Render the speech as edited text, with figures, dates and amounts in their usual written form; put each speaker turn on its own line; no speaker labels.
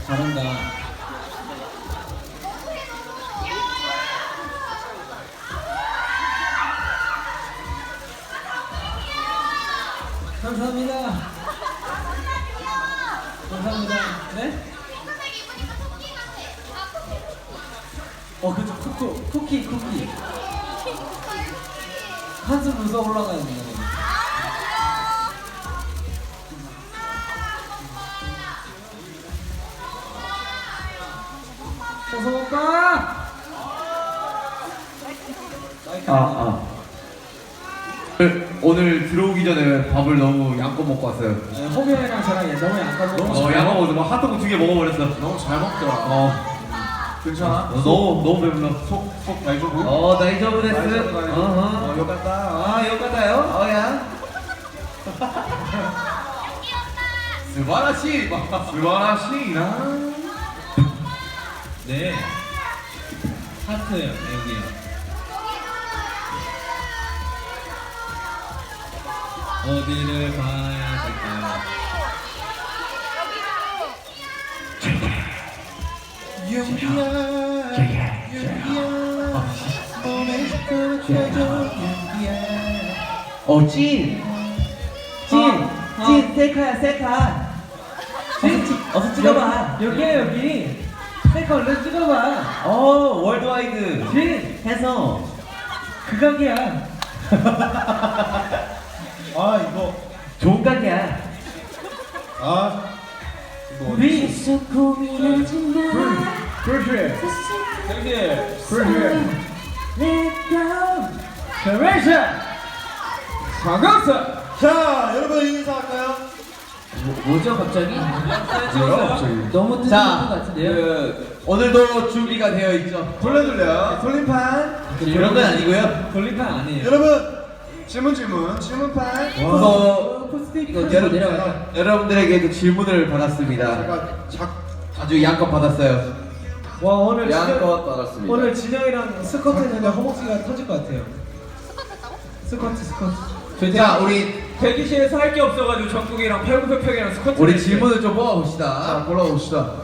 잘한다. 감사합니다. 감사합니다. 네? 그쵸. 쿠키. 한숨 웃어 올라가야 돼. 호성 오빠!
오늘 들어오기 전에 밥을 너무 양껏 먹고 왔어요.
호비 형이랑 저랑 너무 양껏 먹고
양껏 먹어서 막 핫도그 2개 먹어버렸어.
너무 잘 먹더라. 괜찮아?
너무 배불러.
속 다이저브?
다이저브 데스.
요같다.
요같다요? 야. 스바라시.
스바라시나.
네. 하트요, 여기요. 어디를 봐야 될까요?
찐, 셀카. 어서 찍어봐.
여기. 셀카 얼른 찍어봐.
월드와이드.
진!
해서.
그 가게야.
이거.
좋은 가게야.
우리
고민하지 마.
그렇지.
그렇지.
generation 상강사.
자, 여러분 인사할까요?
뭐죠 갑자기?
갑자기?
너무 뜻깊은 것 같은데요?
오늘도 준비가 되어 있죠.
돌려. 돌림판.
이런 건 아니고요.
돌림판 아니에요.
여러분, 질문판.
우선
포스트잇 내려가자.
여러분들에게도 질문을 받았습니다.
제가
아주 양껏 받았어요.
와 오늘
양껏 받았습니다.
오늘 진영이랑 스쿼트 했는데 허벅지가 터질 것 같아요. 스쿼트.
자, 우리
대기실에서 할 게 없어가지고 전국이랑 팔굽혀펴기랑 스쿼트.
질문을 좀 뽑아봅시다.
골라봅시다.